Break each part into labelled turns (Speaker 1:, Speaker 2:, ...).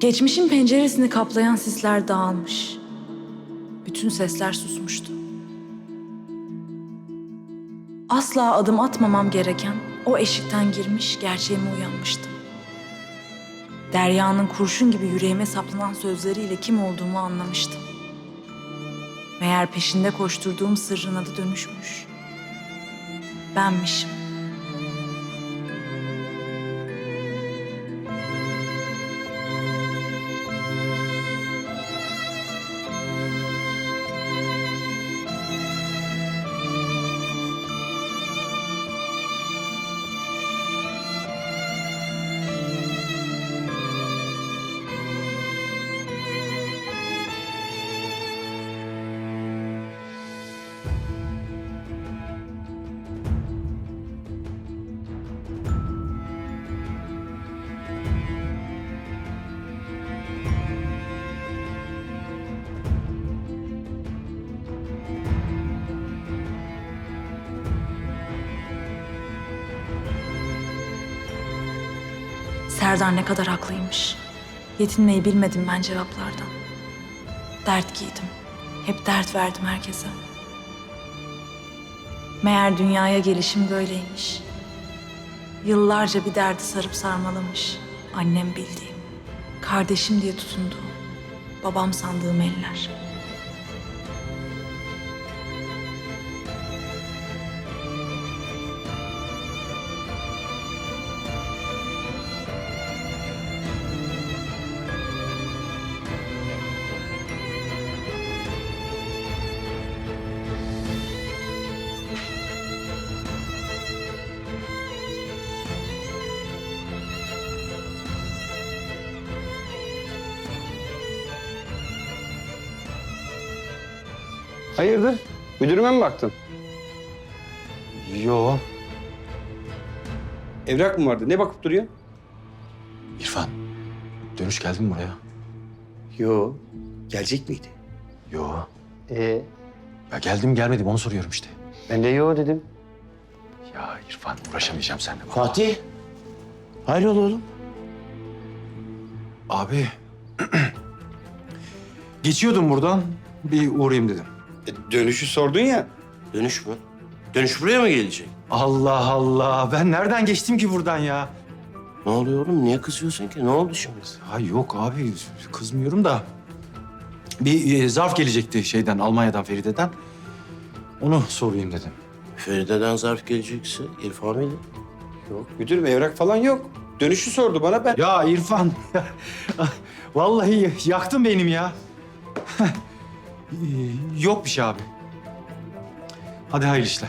Speaker 1: Geçmişin penceresini kaplayan sisler dağılmış. Bütün sesler susmuştu. Asla adım atmamam gereken o eşikten girmiş, gerçeğime uyanmıştım. Derya'nın kurşun gibi yüreğime saplanan sözleriyle kim olduğumu anlamıştım. Meğer peşinde koşturduğum sırrın adı dönüşmüş. Benmişim. Serdar ne kadar haklıymış. Yetinmeyi bilmedim ben cevaplardan. Dert giydim. Hep dert verdim herkese. Meğer dünyaya gelişim böyleymiş. Yıllarca bir derdi sarıp sarmalamış. Annem bildiğim, kardeşim diye tutunduğum, babam sandığım eller.
Speaker 2: Hayırdır? Müdürüme mi baktın?
Speaker 3: Yo.
Speaker 2: Evrak mı vardı? Ne bakıp duruyor?
Speaker 3: İrfan, dönüş geldin mi buraya?
Speaker 2: Yo. Gelecek miydi?
Speaker 3: Yo.
Speaker 2: Ee,
Speaker 3: Ya geldim gelmedim onu soruyorum işte.
Speaker 2: ben de yo dedim.
Speaker 3: Ya İrfan uğraşamayacağım seninle. vallahi.
Speaker 4: Fatih. Hayrola oğlum?
Speaker 3: Abi. Geçiyordum buradan. Bir uğrayayım dedim.
Speaker 2: Dönüşü sordun ya.
Speaker 4: Dönüş mü? Dönüş buraya mı gelecek?
Speaker 3: Allah Allah. Ben nereden geçtim ki buradan ya?
Speaker 4: Ne oluyor oğlum? Niye kızıyorsun ki? Ne oldu şimdi?
Speaker 3: Ha yok abi kızmıyorum da. Bir zarf gelecekti şeyden Almanya'dan Feride'den. Onu sorayım dedim.
Speaker 4: Feride'den zarf gelecekse İrfan mıydı?
Speaker 2: Yok müdürüm evrak falan yok. Dönüşü sordu bana ben.
Speaker 3: Ya İrfan. Vallahi yaktın benim ya. Yok bir şey abi. Hadi hayırlı işler.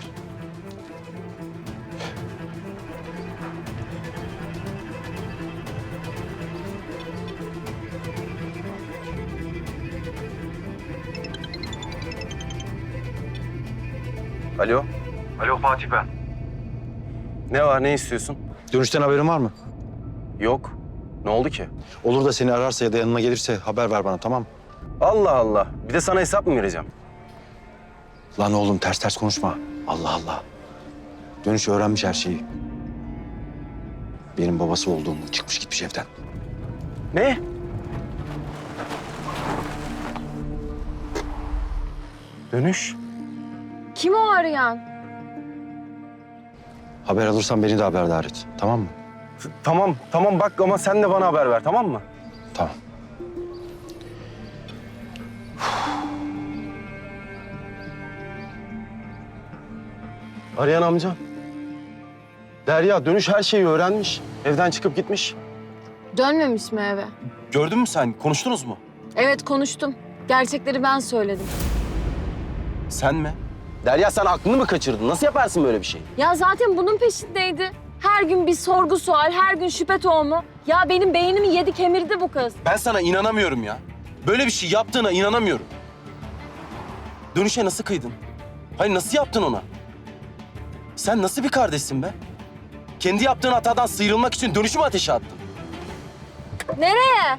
Speaker 5: Alo,
Speaker 3: Alo Fatih ben.
Speaker 5: ne var, ne istiyorsun?
Speaker 3: Dönüşten haberin var mı?
Speaker 5: Yok. Ne oldu ki?
Speaker 3: Olur da seni ararsa ya da yanıma gelirse haber ver bana, tamam mı?
Speaker 5: Allah Allah. Bir de sana hesap mı vereceğim?
Speaker 3: Lan oğlum ters ters konuşma. Allah Allah. Dönüş öğrenmiş her şeyi. Benim babası olduğumu çıkmış gitmiş evden.
Speaker 5: Ne? Dönüş.
Speaker 6: Kim o arayan?
Speaker 3: Haber alırsan beni de haberdar et, tamam mı?
Speaker 5: Tamam, tamam bak ama sen de bana haber ver, tamam mı?
Speaker 3: Tamam.
Speaker 5: Arayan amcam. Derya, Dönüş her şeyi öğrenmiş. Evden çıkıp gitmiş.
Speaker 6: Dönmemiş mi eve?
Speaker 5: Gördün mü sen? Konuştunuz mu?
Speaker 6: Evet konuştum. Gerçekleri ben söyledim.
Speaker 5: Sen mi? Derya sen aklını mı kaçırdın? Nasıl yaparsın böyle bir şey?
Speaker 6: Ya zaten bunun peşindeydi. Her gün bir sorgu sual, her gün şüphe tohumu. Ya benim beynimi yedi kemirdi bu kız.
Speaker 5: Ben sana inanamıyorum ya. Böyle bir şey yaptığına inanamıyorum. Dönüşe nasıl kıydın? Hayır nasıl yaptın ona? Sen nasıl bir kardeşsin be? Kendi yaptığın hatadan sıyrılmak için Dönüşü mü ateşe attın?
Speaker 6: Nereye?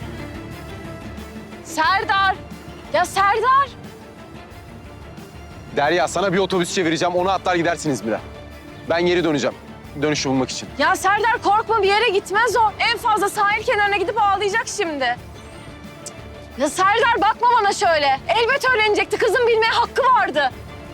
Speaker 6: Serdar! Ya Serdar!
Speaker 5: Derya sana bir otobüs çevireceğim. Onu atlar gidersiniz İzmir'e. Ben geri döneceğim. Dönüşü bulmak için.
Speaker 6: Ya Serdar korkma bir yere gitmez o. En fazla sahil kenarına gidip ağlayacak şimdi. Cık. Ya Serdar bakma bana şöyle. Elbet öğrenecekti. Kızın bilmeye hakkı vardı.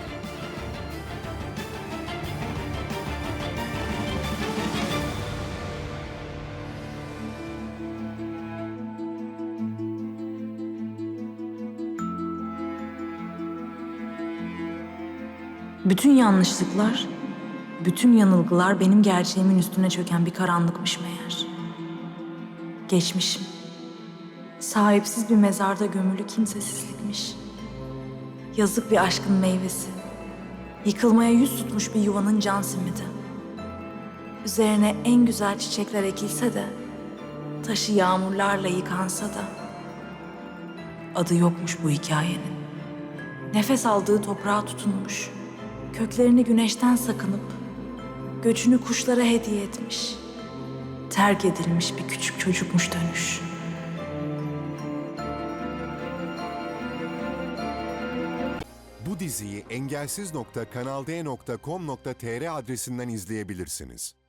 Speaker 1: Bütün yanlışlıklar, bütün yanılgılar benim gerçeğimin üstüne çöken bir karanlıkmış meğer. Geçmişim, sahipsiz bir mezarda gömülü kimsesizlikmiş. Yazık bir aşkın meyvesi, yıkılmaya yüz tutmuş bir yuvanın can simidi. Üzerine en güzel çiçekler ekilse de, taşı yağmurlarla yıkansa da, adı yokmuş bu hikayenin. Nefes aldığı toprağa tutunmuş, köklerini güneşten sakınıp, göçünü kuşlara hediye etmiş. Terk edilmiş bir küçük çocukmuş dönüş.
Speaker 7: Bu diziyi engelsiz.kanalde.com.tr adresinden izleyebilirsiniz.